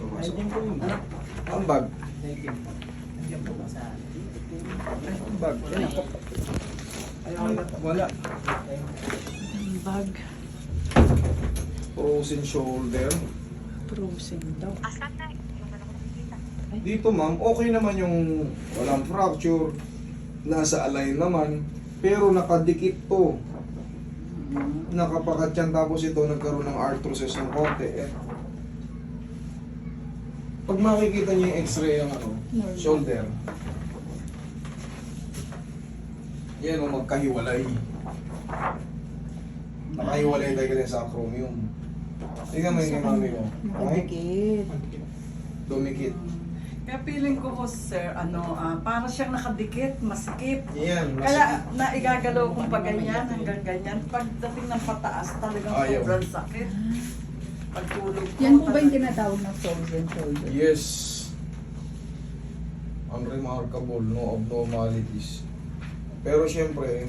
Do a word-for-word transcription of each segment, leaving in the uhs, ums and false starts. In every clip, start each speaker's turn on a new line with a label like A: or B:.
A: Pumasok.
B: Nandiyan po yung bag.
A: Ang bag.
B: Nandiyan po. Nandiyan po ba sa...
A: Ay, ang bag. Yan ako. Ay, wala.
C: Ang bag.
A: Frozen shoulder.
C: Frozen daw.
A: Dito ma'am, okay naman yung walang fracture. Nasa align naman. Pero nakadikit to. Nakapakat yan, tapos ito nagkaroon ng arthrosis ng konti. Eh. Pag makikita niyo yung x-ray ng ano,
C: Normal.
A: shoulder. Yan o, magkahiwalay. Nakahiwalay tayo din sa acromion. Tingnan mo yung mami mo. Okay?
C: Nakadikit.
A: Dumikit.
D: Kaya feeling ko po, sir, ano, ah, para siyang nakadikit, masikip.
A: Yan,
D: Kaya naigagalaw kong pa ganyan, hanggang ganyan. Pagdating ng pataas, talagang
A: Ayaw.
D: sobrang sakit. Pagtulog ko.
C: Yan po ba yung
D: talaga-
C: tinatawag na frozen shoulder?
A: Yes. Unremarkable, no abnormalities. Pero syempre,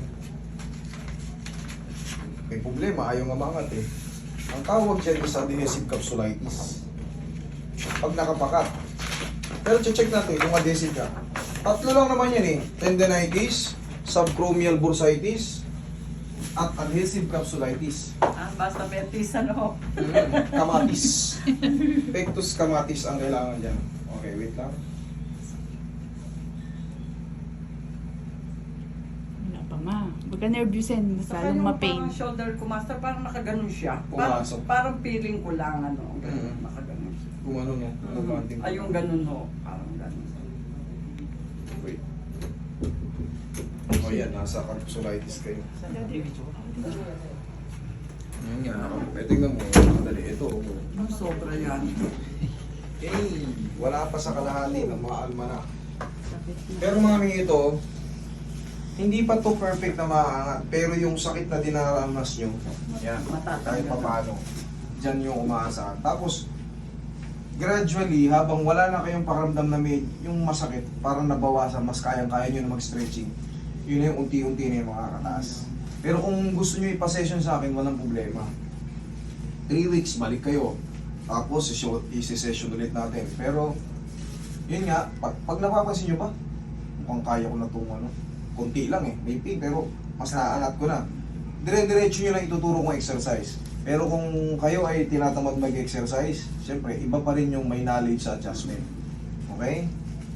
A: may problema, ayaw nga mangat eh. Ang tawag dyan is adhesive capsulitis. Pag nakapakat. Pero check natin kung adhesive ka. Tatlo lang naman yan eh. Tendinitis, subchromial bursitis, at adhesive capsulitis.
D: Ah, basta betis, ano.
A: Mm, kamatis. Pectus kamatis ang kailangan dyan. Okay, wait lang.
C: Wala pa ma. Pagka nervousin,
D: Saka
C: masalong
D: yung
C: ma-pain.
D: parang shoulder ko, master, parang nakaganon siya. Parang,
A: Pumasok.
D: parang feeling ko lang, ano, ganun,
A: Mm.
D: nakaganon siya.
A: Kung ano no, kumanting.
D: Ay, yung ganun ho, parang ganun.
A: Wait. O yan, nasa capsulitis kayo. Yan nga, eh, tingnan mo, madali. Ito,
D: Ang sobra yan.
A: eh, wala pa sa kalahati ng mga almanak. Pero mami, ito, hindi pa to perfect na maaangat. Pero yung sakit na dinaranas nyo, yan, kahit pa paano, dyan yung umaasahan. Tapos, gradually, habang wala na kayong pakiramdam na may, yung masakit, parang nabawasan, mas kayang-kaya nyo na mag-stretching. Yun na yung unti-unti na yung makakataas. Pero kung gusto nyo ipa-session sa akin, walang problema. Three weeks, balik kayo. Tapos, isi-session ulit natin. Pero, yun nga, pag, pag napapansin nyo ba, mukhang kaya ko na itong ano, konti lang eh, may pain, pero mas naaangat ko na. Dire-diretso nyo lang ituturo kong exercise. Pero kung kayo ay tinatamad mag-exercise, syempre, iba pa rin yung may knowledge sa adjustment. Okay?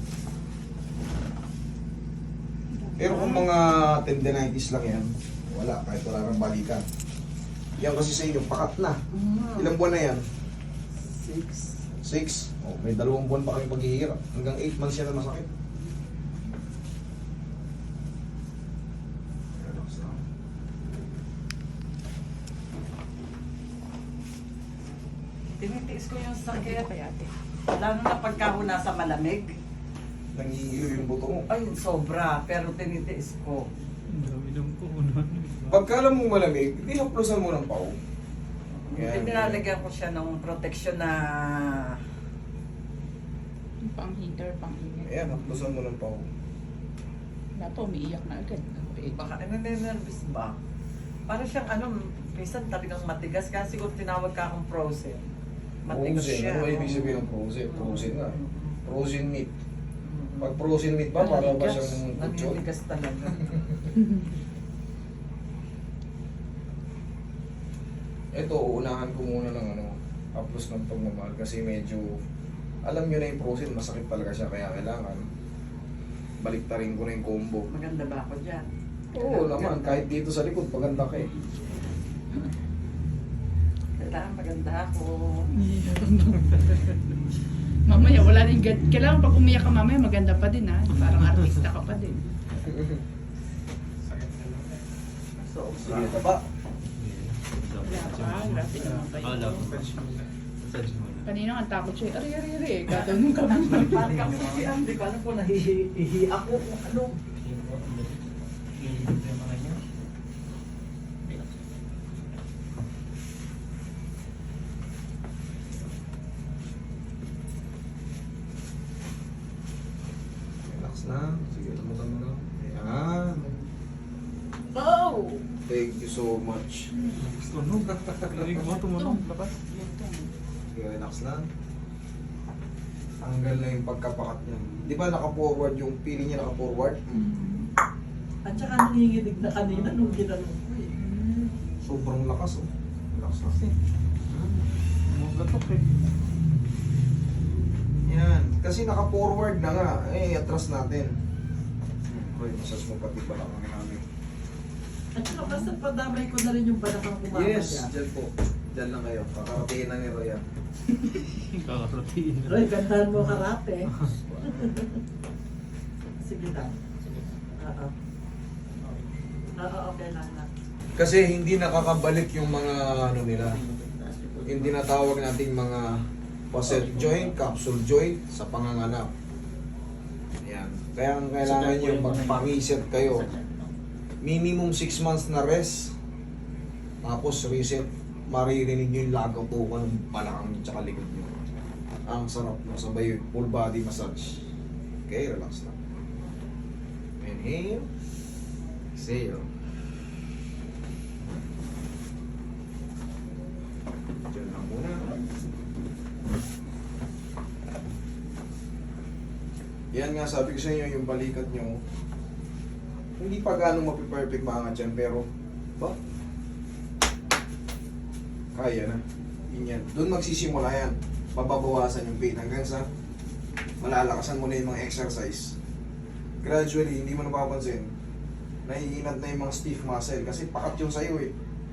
A: Pero kung mga tendinitis lang yan, wala, kahit wala kang balikan. Yan kasi sa inyo, pakat na. Ilang buwan na yan?
D: Six.
A: Six. Oh, may dalawang buwan pa kami paghihirap. Hanggang eight months yan na masakit. Relax lang.
D: Tinitiis ko yung sakit.
C: Kaya ate.
D: Lalo na pagka ho nasa malamig.
A: Nangihilo yung buto mo.
D: Ay, sobra. Pero tinitiis ko.
B: Ang dami ng puno.
A: Pagka alam mo malamig, di haplosan mo ng pao. Yan.
D: Pinalagyan ko siya ng protection na...
C: Yung pang heater, pang init.
A: Ayan, haplosan mo ng pao.
C: Wala pa, umiiyak na agad. Okay.
D: Baka naninervous ba? Para siyang ano, minsan talagang matigas. Kasi siguro tinawag ka akong frozen. Matigas
A: Frozen.
D: siya.
A: Ano ba ibig sabihin ng frozen? Frozen nga. Frozen meat.
D: Mm.
A: Pag frozen meat ba, para ba siyang kutsyon?
D: Naninigas talaga.
A: Ito, uunahan ko muna ng ano, haplos ng pagmamahal kasi medyo, alam nyo na yung frozen, masakit talaga siya, kaya kailangan baliktarin ko na yung combo.
D: Maganda ba ako dyan?
A: Oo naman, kahit dito sa likod, paganda ka eh.
D: Kailangan maganda ako.
C: Mamaya, wala rin gad. Kailangan pag umiyak ka mamaya, maganda pa din ha. Parang artista ka pa din.
D: So,
A: Sige, taba.
C: Wala pa, grabe naman kayo.
B: Wala po. Massage mo na.
C: Kanina ang takot siya, ari, ari, ari. Gagawin ka mo.
D: parang kang sisiyan, di ba? Ano po, nahihi ako kung ano.
A: Relax na. Sige, tumutan mo na. Ayan.
D: Oh!
A: Thank you so much.
B: Tunog. Narinig mo, tumunog. Labas.
A: Sige, relax na. Tanggal na yung pagkapakat niya. Di ba naka-forward yung pili niya naka-forward?
D: At saka nanginginig na kanina nung ginanong ko eh.
A: Sobrang lakas oh. Lakas kasi.
B: Mga gatok eh.
A: Yan. Kasi naka-forward na nga. Eh, atras natin. Roy, masas mo pati pala kami namin.
D: At saka basta padamay ko na rin yung balakang kumama
A: Yes,
D: niya.
A: dyan po. Dyan lang kayo. Kakaratiin na ni Roy ah.
B: Kakaratiin na.
D: Roy, gandahan mo karate. Sige lang. Oo. Oo, okay lang na.
A: Kasi hindi nakakabalik yung mga ano nila. Yung tinatawag nating mga facet joint, capsule joint sa panganganak. Ayan. Kaya ang kailangan nyo magpang-reset kayo. Minimum six months na rest. Tapos reset. Maririnig nyo yung lagapukan ng balakang nyo tsaka likod nyo. Ang sarap no, sabay full body massage. Okay, relax lang. Inhale. Exhale. Diyan lang muna. Yan nga sabi ko sa inyo, yung balikat nyo, hindi pa ganong mapiperfect maangat yan, pero, ba? Kaya na. Yun yan. Doon magsisimula yan. Pababawasan yung pain hanggang sa malalakasan mo na yung mga exercise. Gradually, hindi mo napapansin, naiinat na yung mga stiff muscle kasi pakat yung sa'yo eh.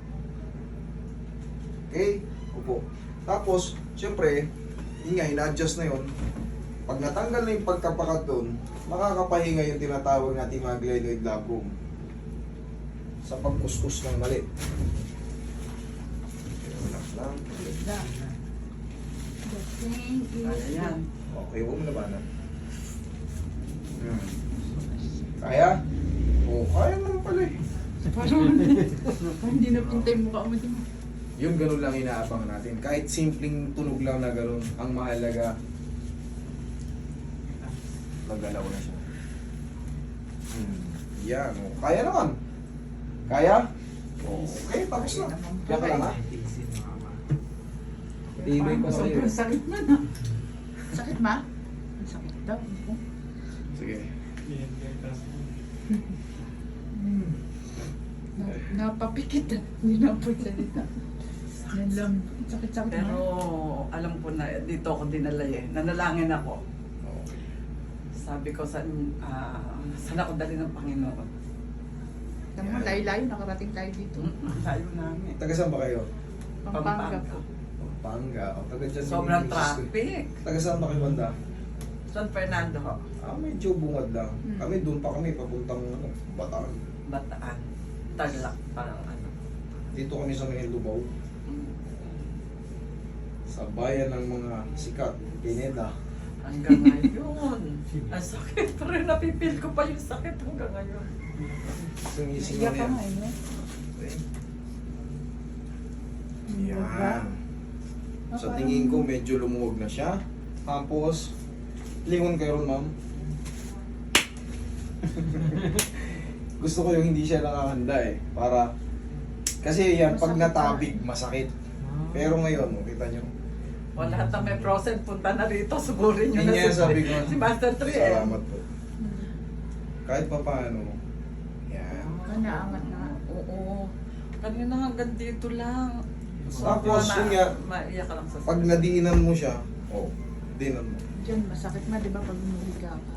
A: Okay? Opo. Tapos, syempre, yun nga, ina-adjust na yun. Pag natanggal na yung pagkapakat doon, makakapahinga yung tinatawag natin mga glenoid labrum sa pagkuskus ng mali. Relax lang.
D: Kaya yan.
A: Okay, huwag mo labanan. Hmm. Kaya? Oo, kaya naman pala eh.
C: Parang parang hindi na pintay mukha mo din.
A: Yung ganun lang inaabangan natin. Kahit simpleng tunog lang na ganun, ang mahalaga, nagalaw na siya. Hmm. Yan. Oh. Kaya naman. Kaya? Oh, okay, tapos na. Kaya ka lang ha? Tibay pa sa'yo.
C: Sobrang sakit na na. Sakit ma? Ang sakit daw.
A: Sige.
B: Yan, kaya kasi.
C: Na, napapikit na. Hindi na po salita. Yan lang. Sakit-sakit
D: Pero
C: na.
D: alam ko na dito ako dinala eh. Nanalangin ako.
A: Okay.
D: Sabi ko saan, ah, saan ako dali ng Panginoon.
C: Alam mo, layo-layo. Nakarating tayo dito.
D: Mm, Layo namin.
A: Taga saan ba kayo?
C: Pampanga po.
A: Pampanga. O, taga dyan.
D: Sobrang
A: Mindanao.
D: traffic.
A: Taga saan ba kayo banda?
D: San Fernando ho.
A: Ah, medyo bungad lang.
C: Hmm.
A: Kami doon pa kami, papuntang ano, Bataan.
D: Bataan. Tarlac parang ano.
A: Dito kami sa Maynildubaw.
D: Mm.
A: Sa bayan ng mga sikat, Pineda.
D: Hanggang ngayon. Ang sakit. Pero napipil ko pa yung sakit hanggang ngayon.
A: Sumising
C: Iyak
A: na
C: ka
A: yan.
C: nga eh.
A: Okay.
C: Diba?
A: Yan. Sa tingin ko, medyo lumuwag na siya. Tapos, lingon kayo ron, ma'am. Gusto ko yung hindi siya nakahanda eh. Para, kasi yan, pag
C: Masakit
A: natabig, masakit. Pero ngayon, oh, kita nyo.
D: Wala lahat na may process. Punta na rito. Sugurin nyo
A: Yun
D: na
A: yan, sabi ko.
D: si Master Tree eh.
A: Salamat po. Kahit pa paano, yan.
C: Ah, naangat na.
D: Oo. Kanina hanggang dito lang.
A: Tapos, yun nga,
D: maiyak ka lang sa
A: pag nadiinan mo siya, oh, dinan mo.
C: Diyan, masakit ma, di ba, pag umuliga ka.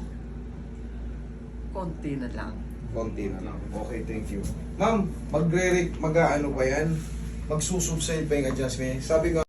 D: konti na lang.
A: Konti na lang. Okay, thank you. Ma'am, magre mag-ano pa yan? Magsusubside pa yung adjustment. Sabi ko,